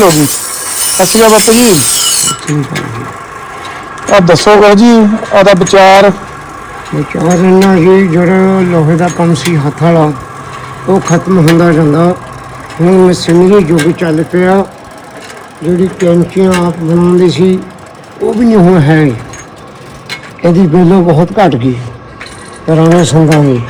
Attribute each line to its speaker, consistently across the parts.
Speaker 1: ਜੀ ਸਤਿ ਸ਼੍ਰੀ ਅਕਾਲ ਬਾਪੂ ਜੀ।
Speaker 2: ਠੀਕ ਹੈ ਜੀ।
Speaker 1: ਆ ਦੱਸੋ ਬਾਬੂ ਜੀ ਆਦਾ ਵਿਚਾਰ।
Speaker 2: ਵਿਚਾਰ ਇੰਨਾ ਜੀ ਜਿਹੜਾ ਲੋਹੇ ਦਾ ਕੰਮ ਸੀ ਹੱਥ ਵਾਲਾ ਉਹ ਖਤਮ ਹੁੰਦਾ ਜਾਂਦਾ। ਹੁਣ ਮਸ਼ੀਨਰੀ ਯੁੱਗ ਚੱਲ ਪਿਆ। ਜਿਹੜੀ ਕੈਂਚੀਆਂ ਆਪ ਬਣਾਉਂਦੇ ਸੀ ਉਹ ਵੀ ਨਹੀਂ ਹੁਣ ਹੈ। ਇਹਦੀ ਵੈਲਿਊ ਬਹੁਤ ਘੱਟ ਗਈ ਪੁਰਾਣੇ ਸੰਦਾਂ ਦੀ।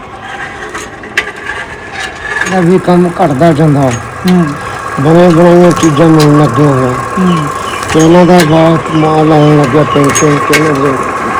Speaker 2: ਇਹਦਾ ਵੀ ਕੰਮ ਘਟਦਾ ਜਾਂਦਾ। ਬਣੇ ਬਣਾਈਆਂ ਚੀਜ਼ਾਂ ਮਿਲਣ ਲੱਗੀਆਂ ਹੋਈਆਂ। ਇਹਨਾਂ ਦਾ ਬਹੁਤ ਮਾਲ ਆਉਣ ਲੱਗਿਆ ਪੈਸੇ ਕਿਹਨਾਂ ਦੇ।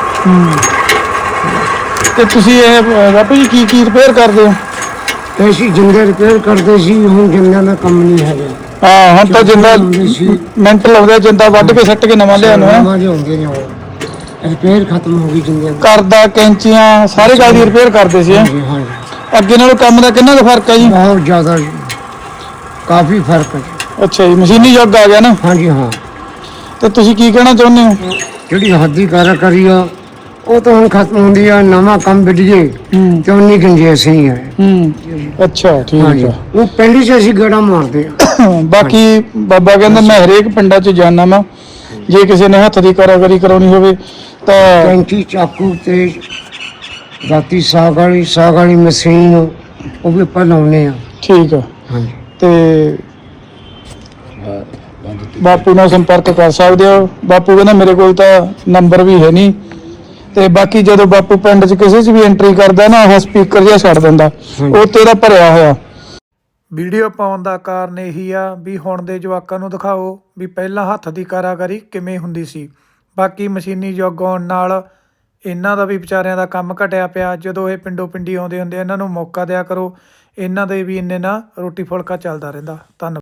Speaker 1: ਤੇ ਤੁਸੀਂ ਇਹ ਬਾਪੂ ਜੀ ਕੀ ਰਿਪੇਅਰ ਕਰਦੇ ਹੋ?
Speaker 2: ਤੇ ਅਸੀਂ ਜਿੰਦੇ ਰਿਪੇਅਰ ਕਰਦੇ ਸੀ। ਹੁਣ ਜਿੰਦਿਆਂ ਦਾ ਕੰਮ ਨਹੀਂ ਹੈਗਾ।
Speaker 1: ਹਾਂ ਹੁਣ ਤਾਂ ਜਿੰਦਾ ਮਿੰਟ ਲਾਉਂਦੇ ਜਿੰਦਾ ਵੱਢ ਕੇ ਸੱਟ ਕੇ ਨਵਾਂ ਲਿਆਉਣਾ ਹੈ।
Speaker 2: ਨਵਾਂ ਲਿਆਉਂਦੇ ਨੇ ਉਹ ਰਿਪੇਅਰ ਖਤਮ ਹੋ ਗਈ ਜਿੰਦਿਆਂ ਦੀ।
Speaker 1: ਕਰਦਾ ਕੈਂਚੀਆਂ ਸਾਰੇ ਗੱਲ ਦੀ ਰਿਪੇਅਰ ਕਰਦੇ ਸੀ।
Speaker 2: ਹਾਂਜੀ ਹਾਂਜੀ
Speaker 1: ਅੱਗੇ ਨਾਲੋਂ ਕੰਮ ਦਾ ਕਿੰਨਾ ਕੁ ਫਰਕ ਹੈ ਜੀ?
Speaker 2: ਬਹੁਤ ਜ਼ਿਆਦਾ ਜੀ, ਕਾਫੀ ਫਰਕ ਹੈ ਜੀ।
Speaker 1: ਅੱਛਾ ਜੀ, ਮਸ਼ੀਨੀ ਯੁੱਗ ਆ ਗਿਆ ਨਾ।
Speaker 2: ਹਾਂਜੀ ਹਾਂ।
Speaker 1: ਤੇ ਤੁਸੀਂ ਕੀ ਕਹਿਣਾ ਚਾਹੁੰਦੇ ਹੋ?
Speaker 2: ਜਿਹੜੀ ਹੱਥੀਂ ਕਾਰੀਗਰੀ ਆ ਉਹ ਤਾਂ ਹੁਣ ਖਤਮ ਹੁੰਦੀ ਆ। ਨਵਾਂ ਕੰਮ ਵਿੱਢੀਏ ਤੇ ਉਨੀ ਗੁੰਜਾਇਸ਼ ਨਹੀਂ ਹੈ।
Speaker 1: ਅੱਛਾ ਠੀਕ
Speaker 2: ਹਾਂਜੀ
Speaker 1: ਆ।
Speaker 2: ਉਹ ਪਿੰਡ 'ਚ ਅਸੀਂ ਗੇੜਾ ਮਾਰਦੇ ਆ।
Speaker 1: ਬਾਕੀ ਬਾਬਾ ਕਹਿੰਦਾ ਮੈਂ ਹਰੇਕ ਪਿੰਡਾਂ 'ਚ ਜਾਣਾ ਵਾ। ਜੇ ਕਿਸੇ ਨੇ ਹੱਥ ਦੀ ਕਾਰੀਗਰੀ ਕਰਾਉਣੀ ਹੋਵੇ ਤਾਂ
Speaker 2: ਕੈਂਚੀ ਚਾਕੂ ਤੇ ਦਾਤੀ ਸਾਗ ਵਾਲੀ ਮਸ਼ੀਨ ਉਹ ਵੀ ਆਪਾਂ ਲਾਉਂਦੇ ਆ।
Speaker 1: ਠੀਕ ਆ।
Speaker 2: ਹਾਂਜੀ
Speaker 1: ਤੇ ਬਾਪੂ ਨਾਲ ਸੰਪਰਕ ਕਰ ਸਕਦੇ ਹੋ। ਬਾਪੂ ਕਹਿੰਦਾ ਮੇਰੇ ਕੋਲ ਤਾਂ ਨੰਬਰ ਵੀ ਹੈ ਨਹੀਂ। ਤੇ ਬਾਕੀ ਜਦੋਂ ਬਾਪੂ ਪਿੰਡ 'ਚ ਕਿਸੇ 'ਚ ਵੀ ਐਂਟਰੀ ਕਰਦਾ ਨਾ ਉਹ ਸਪੀਕਰ ਜਿਹਾ ਛੱਡ ਦਿੰਦਾ, ਉਹ ਤੇਰਾ ਭਰਿਆ ਹੋਇਆ। ਵੀਡੀਓ ਪਾਉਣ ਦਾ ਕਾਰਨ ਇਹੀ ਆ ਵੀ ਹੁਣ ਦੇ ਜਵਾਕਾਂ ਨੂੰ ਦਿਖਾਓ ਵੀ ਪਹਿਲਾਂ ਹੱਥ ਦੀ ਕਾਰੀਗਰੀ ਕਿਵੇਂ ਹੁੰਦੀ ਸੀ। ਬਾਕੀ ਮਸ਼ੀਨੀ ਯੁੱਗ ਆਉਣ ਨਾਲ ਇਹਨਾਂ ਦਾ ਵੀ ਵਿਚਾਰਿਆਂ ਦਾ ਕੰਮ ਘਟਿਆ ਪਿਆ। ਜਦੋਂ ਇਹ ਪਿੰਡੋਂ ਪਿੰਡੀ ਆਉਂਦੇ ਹੁੰਦੇ ਇਹਨਾਂ ਨੂੰ ਮੌਕਾ ਦਿਆ ਕਰੋ। ਇਹਨਾਂ ਦੇ ਵੀ ਇੰਨੇ ਨਾਲ ਰੋਟੀ ਫੁਲਕਾ ਚੱਲਦਾ ਰਹਿੰਦਾ। ਧੰਨਵਾਦ।